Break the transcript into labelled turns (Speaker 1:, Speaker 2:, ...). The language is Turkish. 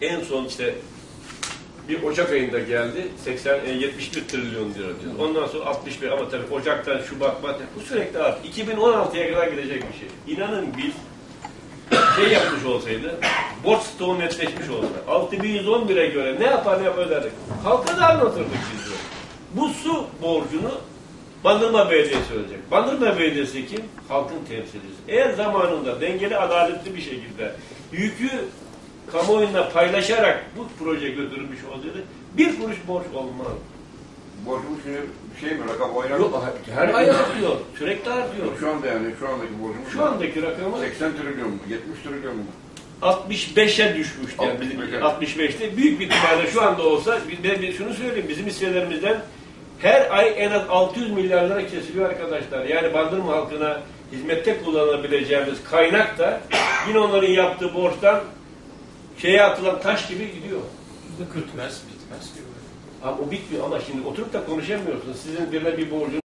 Speaker 1: En son işte bir Ocak ayında geldi. 71 trilyon lira diyor. Ondan sonra 65 ama tabii Ocak'tan Şubat, Mart bu sürekli artık 2016'ya kadar gidecek bir şey. İnanın biz yapmış olsaydı, borç stoğu netleşmiş olsa, 6111'e göre ne yapar öderdik. Halka da anlatırdık biz de. Bu su borcunu Bandırma Belediyesi ödeyecek. Bandırma Belediyesi kim? Halkın temsilcisi. Eğer zamanında dengeli, adaletli bir şekilde yükü kamuoyuna paylaşarak bu proje götürülmüş olsaydı bir kuruş borç olmaz.
Speaker 2: Borcumuz şimdi rakam oynanıyor.
Speaker 1: Yok, her ay artıyor. Sürekli artıyor.
Speaker 2: Şu anda yani şu andaki borcumuz
Speaker 1: şu andaki rakamı
Speaker 2: 80 trilyon mu? 70 trilyon mu?
Speaker 1: 65'e düşmüştü. Yani 65'te büyük bir ihtimalle şu anda olsa ben şunu söyleyeyim, bizim hisselerimizden her ay en az 600 milyar lira kesiliyor arkadaşlar. Yani Bandırma halkına hizmette kullanabileceğimiz kaynak da yine onların yaptığı borçtan atılan taş gibi gidiyor.
Speaker 3: Bitmez.
Speaker 1: Abi o bitmiyor ama şimdi oturup da konuşamıyorsunuz. Sizin birine bir borcunuz